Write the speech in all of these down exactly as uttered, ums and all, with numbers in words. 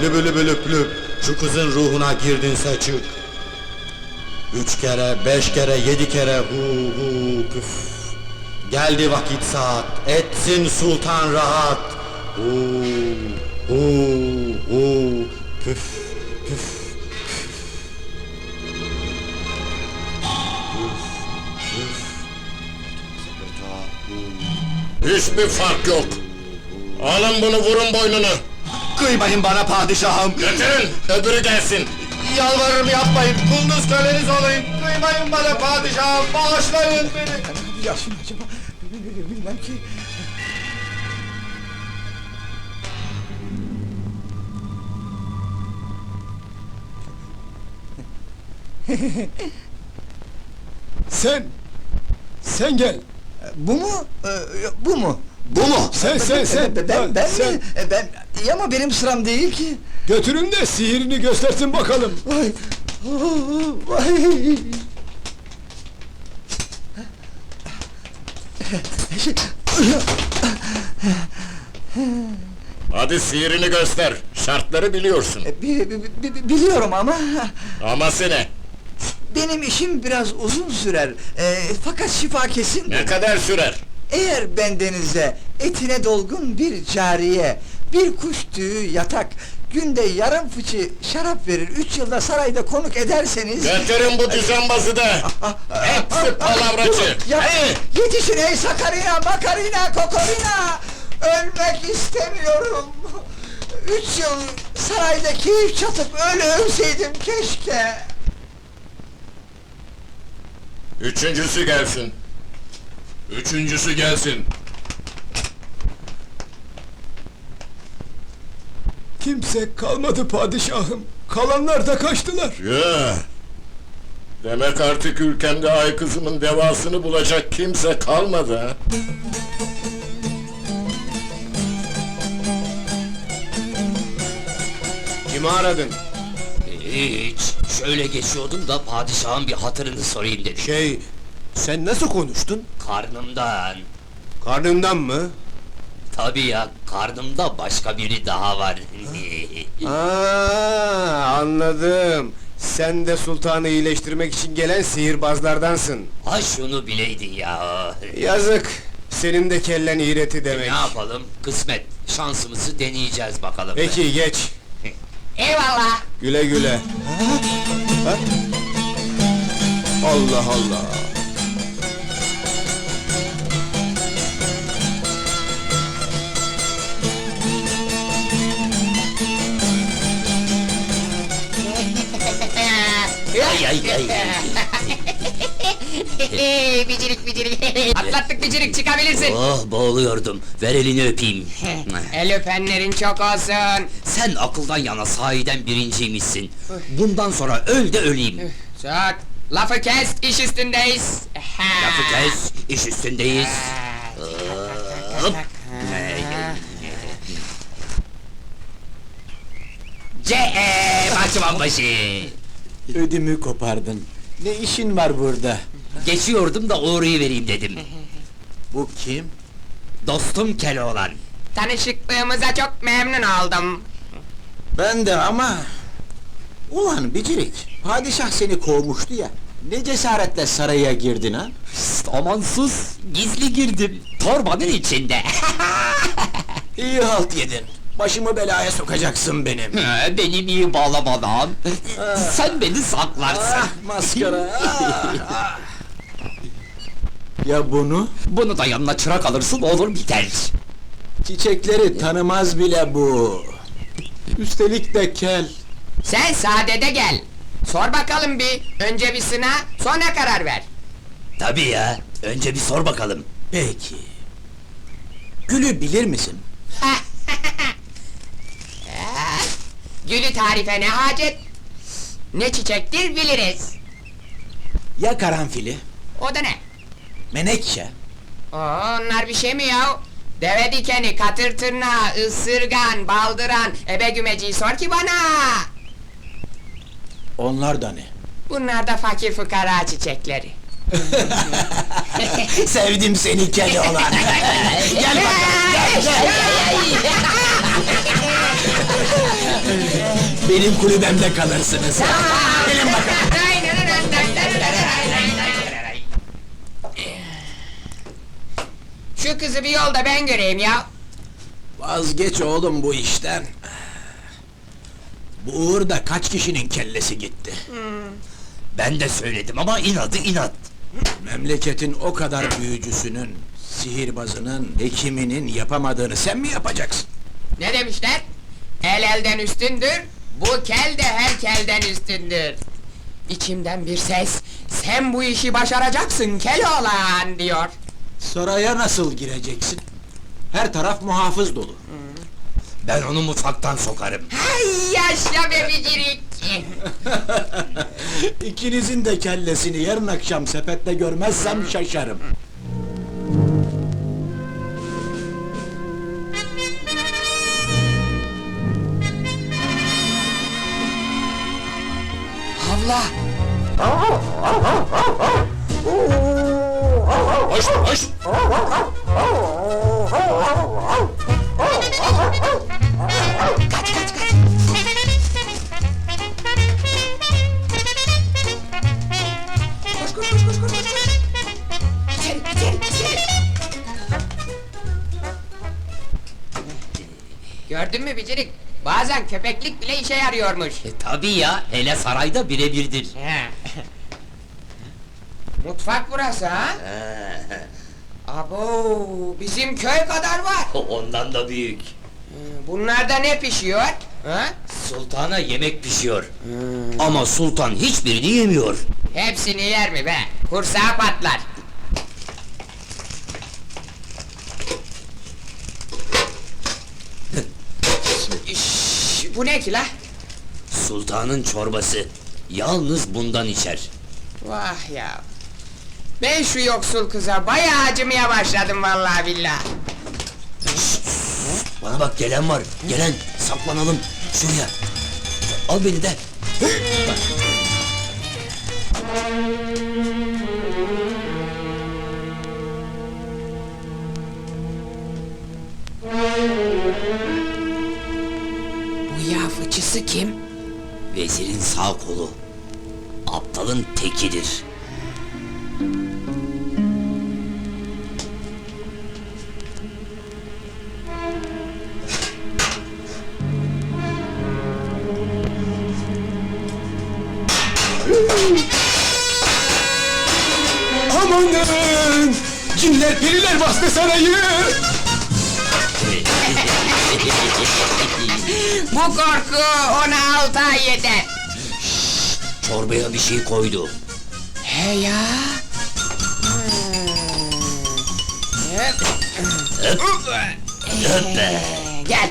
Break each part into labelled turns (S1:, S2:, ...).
S1: lübü lübü lüp lüp, şu kızın ruhuna girdinse çık. Üç kere, beş kere, yedi kere hu hu püf. Geldi vakit saat, etsin sultan rahat. Hu hu hu püf püf.
S2: Hiçbir fark yok. Alın bunu, vurun boynunu.
S1: Kıymayın bana padişahım!
S2: Götürün, öbürü gelsin.
S1: Yalvarırım yapmayın, kunduz köleniz olayım! Kıymayın bana padişahım, bağışlayın beni!
S3: Yaşım acaba? Bilmem ki. Sen! Sen gel!
S4: Bu mu? Ee, bu mu?
S1: Bu mu?
S3: Sen sen sen!
S4: Ben, ben, ben
S3: sen.
S4: mi? E, Ben, ya ama benim sıram değil ki.
S3: Götürün de sihirini göstersin bakalım!
S4: Vay! Vay!
S2: Hadi sihirini göster, şartları biliyorsun.
S4: E, bi- bi- bi- bi- biliyorum ama...
S2: Aması ne?
S4: Benim işim biraz uzun sürer. E, fakat şifa kesin.
S2: Ne kadar sürer?
S4: Eğer bendenize etine dolgun bir cariye, bir kuş tüyü yatak, günde yarım fıçı şarap verir, üç yılda sarayda konuk ederseniz...
S2: Götürün bu düzenbazı da! Hepsi palavracı!
S4: Ya,
S2: Hey!
S4: yetişin ey Sakarina, Makarina, Kokorina! Ölmek istemiyorum! Üç yıl sarayda keyif çatıp öyle ölseydim keşke!
S2: Üçüncüsü gelsin. Üçüncüsü gelsin.
S3: Kimse kalmadı padişahım! Kalanlar da kaçtılar!
S2: Ya. Demek artık ülkemde ay kızımın devasını bulacak kimse kalmadı ha?
S1: Kimi aradın?
S5: Hiç, şöyle geçiyordum da padişahın bir hatırını sorayım dedim.
S1: Şey, sen nasıl konuştun?
S5: Karnımdan.
S1: Karnından mı?
S5: Tabii ya, karnımda başka biri daha var.
S1: Aa, anladım. Sen de sultanı iyileştirmek için gelen sihirbazlardansın.
S5: Ha şunu bileydin ya.
S1: Yazık, senin de kellen iğreti
S5: Ne
S1: demek.
S5: yapalım, kısmet, şansımızı deneyeceğiz bakalım.
S1: Peki, geç.
S5: Eyvallah!
S1: Güle güle. Ha? Allah Allah!
S5: Ay ay ay!
S6: Hey, bicirik bicirik! Atlattık bicirik, çıkabilirsin!
S5: Oh, boğuluyordum, ver elini öpeyim.
S6: El öpenlerin çok olsun!
S5: Sen akıldan yana sahiden birinciymişsin. Bundan sonra öl de öleyim.
S6: Çok! Lafı kes, iş üstündeyiz!
S5: Lafı kes, iş üstündeyiz. Hop! C e Bahçıvan başı!
S7: Ödümü kopardın. Ne işin var burada?
S5: Geçiyordum da uğrayıvereyim dedim.
S7: Bu kim?
S5: Dostum Keloğlan.
S6: Tanışıklığımıza çok memnun oldum!
S7: Ben de ama... Ulan Bicirik, padişah seni kovmuştu ya. Ne cesaretle saraya girdin ha?
S5: Pst, amansız, gizli girdim. Torbanın içinde.
S7: İyi halt yedin. Başımı belaya sokacaksın benim.
S5: He, Benim iyi bağlamadan. Sen beni saklarsın.
S7: Ah, maskara! ah, ah. Ya bunu?
S5: Bunu da yanına çırak alırsın, olur biter.
S7: Çiçekleri tanımaz bile bu. Üstelik de kel.
S6: Sen sadede gel! Sor bakalım bir, önce bir sına, sonra karar ver!
S5: Tabii ya, önce bir sor bakalım.
S7: Peki. Gülü bilir misin?
S6: Gülü tarife ne hacet? Ne çiçektir biliriz!
S7: Ya karanfili?
S6: O da ne?
S7: Menekşe?
S6: Oo, onlar bir şey mi ya? Deve dikeni, katır tırnağı, ısırgan, baldıran, ebe gümeciyi sor ki bana!
S7: Onlar da ne?
S6: Bunlar da fakir fukara çiçekleri.
S7: Sevdim seni Keloğlan! Gel bakalım, gel, gel! benim kulübemde kalırsınız. Gelin bakalım.
S6: Şu kızı bir yolda ben göreyim ya.
S7: Vazgeç oğlum bu işten. Bu uğurda kaç kişinin kellesi gitti.
S5: Ben de söyledim ama inadı inat.
S7: Memleketin o kadar büyücüsünün, sihirbazının, hekiminin yapamadığını sen mi yapacaksın?
S6: Ne demişler? El elden üstündür, bu kel de her kelden üstündür. İçimden bir ses, sen bu işi başaracaksın Keloğlan diyor.
S7: Saraya nasıl gireceksin? Her taraf muhafız dolu.
S5: Ben onu mutfaktan sokarım.
S6: Hay yaşa be bicirik!
S7: İkinizin de kellesini yarın akşam sepette görmezsem şaşarım.
S6: Havla!
S2: Hoş, hoş!
S6: Kaç kaç kaç! Koş koş koş koş koş koş! İçeri içeri içeri! Gördün mü bicirik? Bazen köpeklik bile işe yarıyormuş.
S5: E tabii ya, hele sarayda birebirdir.
S6: He. Mutfak burası ha? Abo, bizim köy kadar var.
S5: Ondan da büyük.
S6: Bunlarda ne pişiyor? Ha?
S5: Sultana yemek pişiyor. Ama sultan hiçbirini yemiyor.
S6: Hepsini yer mi be? Kursağı patlar. Şş, bu ne ki la?
S5: Sultanın çorbası. Yalnız bundan içer.
S6: Vah ya! Ben şu yoksul kıza bayağı acımaya başladım vallahi billahi.
S5: Bana bak, gelen var. Gelen, saklanalım. Şuraya. Al beni de.
S6: Bu yağ fıçısı kim?
S5: Vezirin sağ kolu. Aptalın tekidir.
S3: Amanın! Cinler periler bastı sarayı!
S6: Bu korku ona altı ay yeter.
S5: Çorbaya bir şey koydu.
S6: He ya! Hop.
S5: Öp be.
S6: Gel!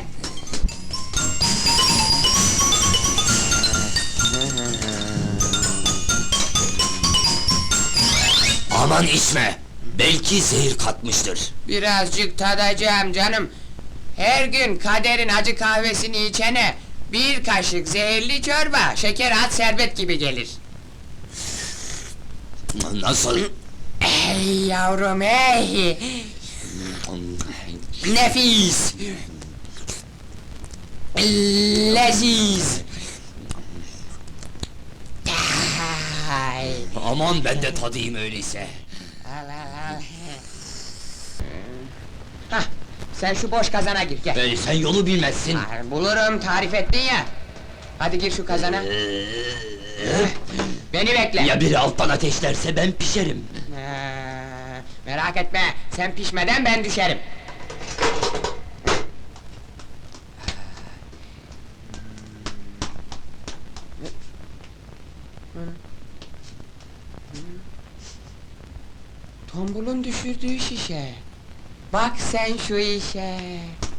S5: Aman içme. Belki zehir katmıştır.
S6: Birazcık tadacağım canım. Her gün kaderin acı kahvesini içene bir kaşık zehirli çorba, şeker at şerbet gibi gelir.
S5: Nasıl?
S6: Ey yavrum ey! Nefis! Leziz! Ay!
S5: Aman ben de tadayım öyleyse.
S6: Al al al! Hah! Sen şu boş kazana gir, gel!
S5: Ee, sen yolu bilmezsin.
S6: Ha, bulurum, tarif ettin ya! Hadi gir şu kazana! Beni bekle!
S5: Ya biri alttan ateşlerse ben pişerim.
S6: Ha, merak etme, sen pişmeden ben düşerim. Tombulun düşürdüğü şişe. Bak sen şu işe.